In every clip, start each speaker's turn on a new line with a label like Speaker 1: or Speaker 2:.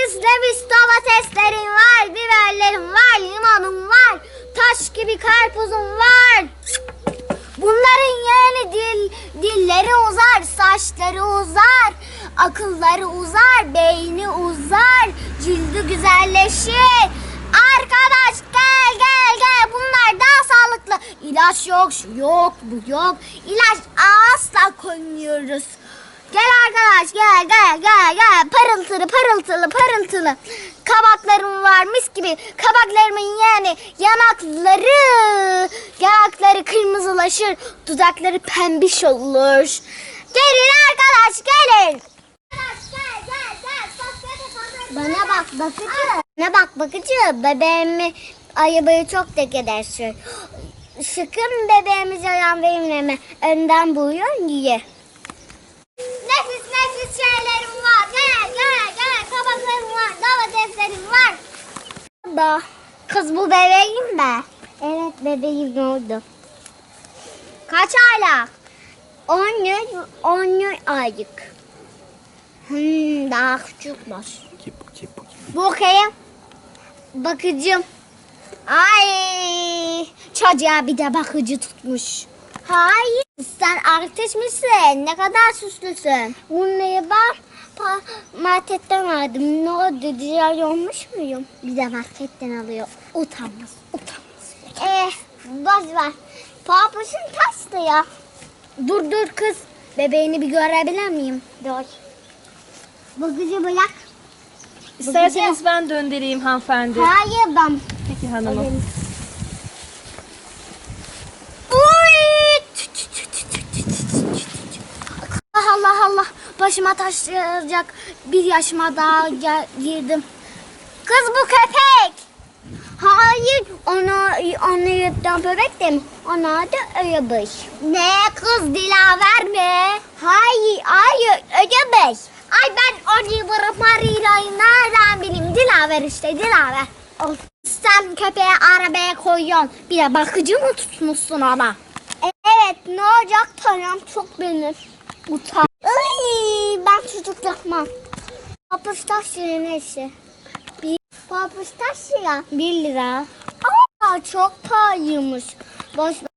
Speaker 1: nefis domateslerim var, biberlerim var, limonum var, taş gibi karpuzum var. Bunların yani dilleri uzar, saçları uzar, akılları uzar, beyni uzar, cildi güzelleşir. Arkadaş gel bunlar daha sağlıklı. İlaç yok, şu yok, bu yok. İlaç asla koymuyoruz. Gel arkadaş gel. Parıltılı. Kabaklarım var mis gibi. Kabaklarımın yani yanakları kırmızılaşır. Dudakları pembiş olur. Gelin arkadaş gelin. Bana bak bakıcı. Ne bak bakıcı. Bebeğimi ayıbayı çok tek edersin. Sıkın bebeğimize yan verimleme. Önden buyurun ye. Nefis şeylerim var. Gel. Kabaklarım var. Domateslerim var. Kız bu bebeğim mi? Evet bebeğim oldu. Kaç aylık? 10 aylık. Daha küçükmüş. Bakayım. Bakıcım. Ay, çocuğa bir de bakıcı tutmuş. Hayır, sen artist misin? Ne kadar süslüsün. Bunları ben marketten aldım. Ne oldu? Diğer olmuş muyum? Bir de marketten alıyor. Utanmaz. Boş ver. Papuçun taştı ya. Dur kız. Bebeğini bir görebilir miyim? Dur. Bakıcı bırak.
Speaker 2: İsterseniz ben döndüreyim hanımefendi.
Speaker 1: Hayır ben.
Speaker 2: Peki hanımım.
Speaker 1: Allah. Başıma taşıyacak bir yaşıma daha girdim. Kız bu köpek. Hayır onu yırtan bebek de mi? Ona da öyebeş. Ne kız Dilaver mi? Hayır öyebeş. Ay ben onu Marilla'yı nereden bileyim? Dilaver işte Dilaver. Sen köpeği arabaya koyuyorsun. Bir de bakıcı mı tutmuşsun ama? Evet ne olacak tanrım çok benim. Utan. Ben çocuk yapmam. Papuç taş neyse. Papuç taş ya 1 lira. Aa çok pahalıymış. Boş ver.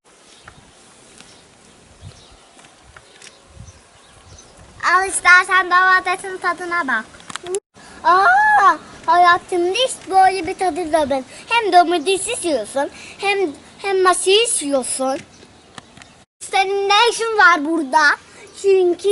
Speaker 1: Al istersen domatesin tadına bak. Hayatımda hiç böyle bir tadı da ben. Hem domates yiyorsun hem masis yiyorsun. Senin ne işin var burada? Çünkü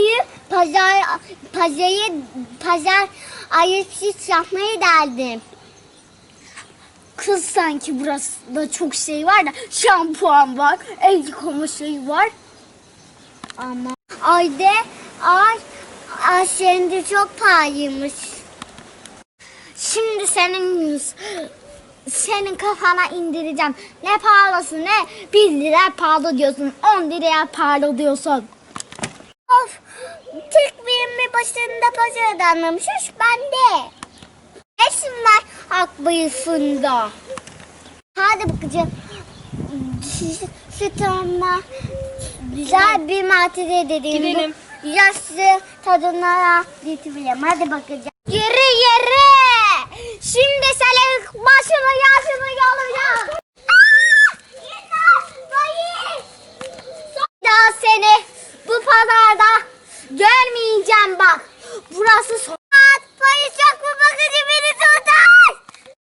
Speaker 1: pazar ayıpsız yapmayı derdim. Kız sanki burası da çok şey var da şampuan var, el yıkama şeyi var. Ama ay şimdi çok pahalıymış. Şimdi senin kafana indireceğim. Ne pahalısı ne? 1 lira pahalı diyorsun. 10 liraya pahalı diyorsun. Of! Tek bir başında pazarda anlamışız. Ben de. Eşim var haklısında. Hadi bakacağım. Sütüme güzel bir matide dediğim
Speaker 2: gidelim.
Speaker 1: Bu yaşlı tadına getirelim. Hadi bakacağım. Yürü.